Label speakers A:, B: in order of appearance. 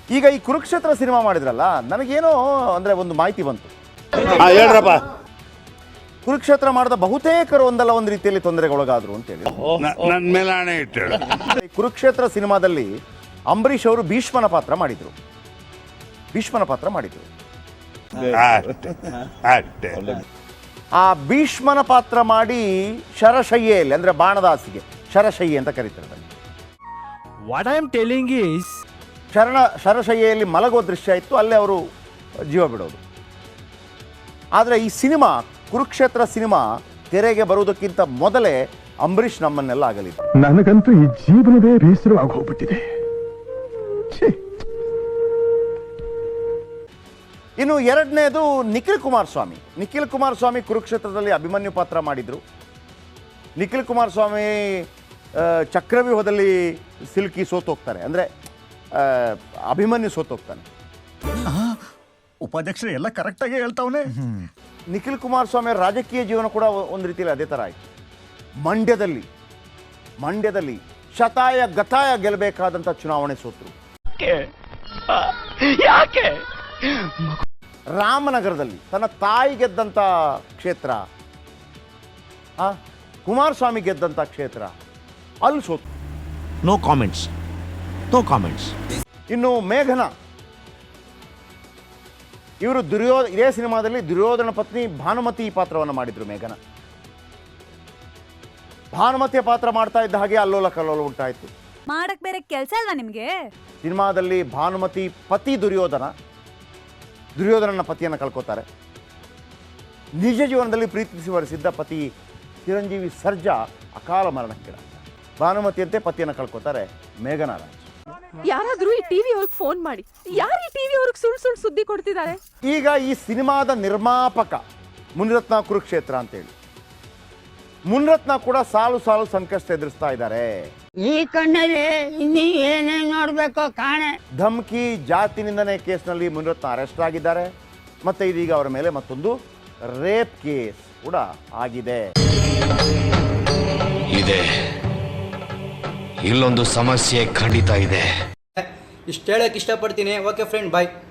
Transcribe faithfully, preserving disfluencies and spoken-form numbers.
A: ಈಗ ಈ ಕುರುಕ್ಷೇತ್ರ ಸಿನಿಮಾ ಮಾಡಿದ್ರಲ್ಲ, ನನಗೇನೋ ಅಂದರೆ ಒಂದು ಮಾಹಿತಿ ಬಂತು.
B: ಹೇಳ್ರಪ್ಪ.
A: ಕುರುಕ್ಷೇತ್ರ ಮಾಡಿದ ಬಹುತೇಕರು ಒಂದಲ್ಲ ಒಂದು ರೀತಿಯಲ್ಲಿ ತೊಂದರೆಗೊಳಗಾದ್ರು ಅಂತೇಳಿ
B: ನನ್ನ ಮೇಲೆ ಹಣೆ ಇಟ್ಟಳು.
A: ಕುರುಕ್ಷೇತ್ರ ಸಿನಿಮಾದಲ್ಲಿ ಅಂಬರೀಷ್ ಅವರು ಭೀಷ್ಮನ ಪಾತ್ರ ಮಾಡಿದ್ರು ಭೀಷ್ಮನ ಪಾತ್ರ ಮಾಡಿದ್ರು ಆ ಭೀಷ್ಮನ ಪಾತ್ರ ಮಾಡಿ ಶರಶಯ್ಯೆಯಲ್ಲಿ ಅಂದ್ರೆ ಬಾಣದಾಸಿಗೆ ಶರಶಯ್ಯೆ ಅಂತ ಕರೀತಾರೆ.
C: What I am telling is
A: ಶರಣ ಶರಶಯ್ಯೆಯಲ್ಲಿ ಮಲಗೋ ದೃಶ್ಯ ಇತ್ತು, ಅಲ್ಲೇ ಅವರು ಜೀವ ಬಿಡೋದು. ಆದರೆ ಈ ಸಿನಿಮಾ ಕುರುಕ್ಷೇತ್ರ ಸಿನಿಮಾ ತೆರೆಗೆ ಬರುವುದಕ್ಕಿಂತ ಮೊದಲೇ ಅಂಬರೀಷ್ ನಮ್ಮನ್ನೆಲ್ಲ ಆಗಲಿದ್ದು.
D: ನನಗಂತೂ ಈ ಜೀವನವೇ ಬೇಸರವಾಗಿ ಹೋಗ್ಬಿಟ್ಟಿದೆ.
A: ಇನ್ನು ಎರಡನೇದು ನಿಖಿಲ್ ಕುಮಾರಸ್ವಾಮಿ. ನಿಖಿಲ್ ಕುಮಾರಸ್ವಾಮಿ ಕುರುಕ್ಷೇತ್ರದಲ್ಲಿ ಅಭಿಮನ್ಯು ಪಾತ್ರ ಮಾಡಿದರು. ನಿಖಿಲ್ ಕುಮಾರಸ್ವಾಮಿ ಚಕ್ರವ್ಯೂಹದಲ್ಲಿ ಸಿಲುಕಿ ಸೋತೋಗ್ತಾರೆ, ಅಂದರೆ ಅಭಿಮನ್ಯು ಸೋತೋಗ್ತಾನೆ.
E: ಉಪಾಧ್ಯಕ್ಷರು ಎಲ್ಲ ಕರೆಕ್ಟಾಗಿ ಹೇಳ್ತಾವನೆ.
A: ನಿಖಿಲ್ ಕುಮಾರಸ್ವಾಮಿ ರಾಜಕೀಯ ಜೀವನ ಕೂಡ ಒಂದು ರೀತಿಯಲ್ಲಿ ಅದೇ ಥರ ಆಯಿತು. ಮಂಡ್ಯದಲ್ಲಿ ಮಂಡ್ಯದಲ್ಲಿ ಶತಾಯ ಗತಾಯ ಗೆಲ್ಲಬೇಕಾದಂಥ ಚುನಾವಣೆ ಸೋತರು.
C: ಯಾಕೆ?
A: ರಾಮನಗರದಲ್ಲಿ ತನ್ನ ತಾಯಿ ಗೆದ್ದಂಥ ಕ್ಷೇತ್ರ, ಆ ಕುಮಾರಸ್ವಾಮಿ ಗೆದ್ದಂಥ ಕ್ಷೇತ್ರ, ಅಲ್ಲಿ ಸೋತು.
F: ನೋ ಕಾಮೆಂಟ್ಸ್ ನೋ ಕಾಮೆಂಟ್ಸ್
A: ಇನ್ನು ಮೇಘನ, ಇವರು ದುರ್ಯೋ ಇದೇ ಸಿನಿಮಾದಲ್ಲಿ ದುರ್ಯೋಧನ ಪತ್ನಿ ಭಾನುಮತಿ ಪಾತ್ರವನ್ನು ಮಾಡಿದ್ರು. ಮೇಘನ ಭಾನುಮತಿಯ ಪಾತ್ರ ಮಾಡ್ತಾ ಇದ್ದ ಹಾಗೆ ಅಲ್ಲೋಲ ಕಲ್ಲೋಲ ಉಂಟಾಯಿತು.
G: ಮಾಡಕ್ ಬೇರೆ ಕೆಲಸ ಅಲ್ವಾ ನಿಮ್ಗೆ?
A: ಸಿನಿಮಾದಲ್ಲಿ ಭಾನುಮತಿ ಪತಿ ದುರ್ಯೋಧನ ದುರ್ಯೋಧನನ ಪತಿಯನ್ನು ಕಳ್ಕೊತಾರೆ. ನಿಜ ಜೀವನದಲ್ಲಿ ಪ್ರೀತಿಸಿ ವರಿಸಿದ್ದ ಪತಿ ಚಿರಂಜೀವಿ ಸರ್ಜಾ ಅಕಾಲ ಮರಣಕ್ಕೀಡಾಗ್ತಾರೆ. ಭಾನುಮತಿಯಂತೆ ಪತಿಯನ್ನು ಕಳ್ಕೊತಾರೆ ಮೇಘನಾ ರಾಜ್.
H: ಯಾರಾದ್ರೂ ಈ ಟಿವಿ ಅವ್ರಿಗೆ ಫೋನ್ ಮಾಡಿ, ಯಾರು ಈ ಟಿವಿ ಅವ್ರಿಗೆ ಸುಳ್ಳು ಸುಳ್ಳು ಸುದ್ದಿ ಕೊಡ್ತಿದ್ದಾರೆ?
A: ಈಗ ಈ ಸಿನಿಮಾದ ನಿರ್ಮಾಪಕ ಮುನಿರತ್ನ ಕುರುಕ್ಷೇತ್ರ ಅಂತೇಳಿ, ಮುನಿರತ್ನ ಕೂಡ ಸಾಲು ಸಾಲು ಸಂಕಷ್ಟ ಎದುರಿಸ್ತಾ ಇದ್ದಾರೆ.
I: ಈ ಕಣ್ಣಲ್ಲಿ ಇನ್ನೀ ಏನೇನು ನೋಡ್ಬೇಕೋ ಕಾಣೆ.
A: ಧಮ್ಕಿ ಜಾತಿ ನಿಂದನೆ ಕೇಸ್ನಲ್ಲಿ ಮುನಿರತ್ನ ಅರೆಸ್ಟ್ ಆಗಿದ್ದಾರೆ. ಮತ್ತೆ ಇದೀಗ ಅವರ ಮೇಲೆ ಮತ್ತೊಂದು ರೇಪ್ ಕೇಸ್ ಕೂಡ ಆಗಿದೆ.
J: ಇದೆ ಇಲ್ಲೊಂದು ಸಮಸ್ಯೆ ಖಂಡಿತ ಇದೆ.
K: ಇಷ್ಟು ಹೇಳಕ್ ಇಷ್ಟಪಡ್ತೀನಿ. ಓಕೆ ಫ್ರೆಂಡ್, ಬಾಯ್.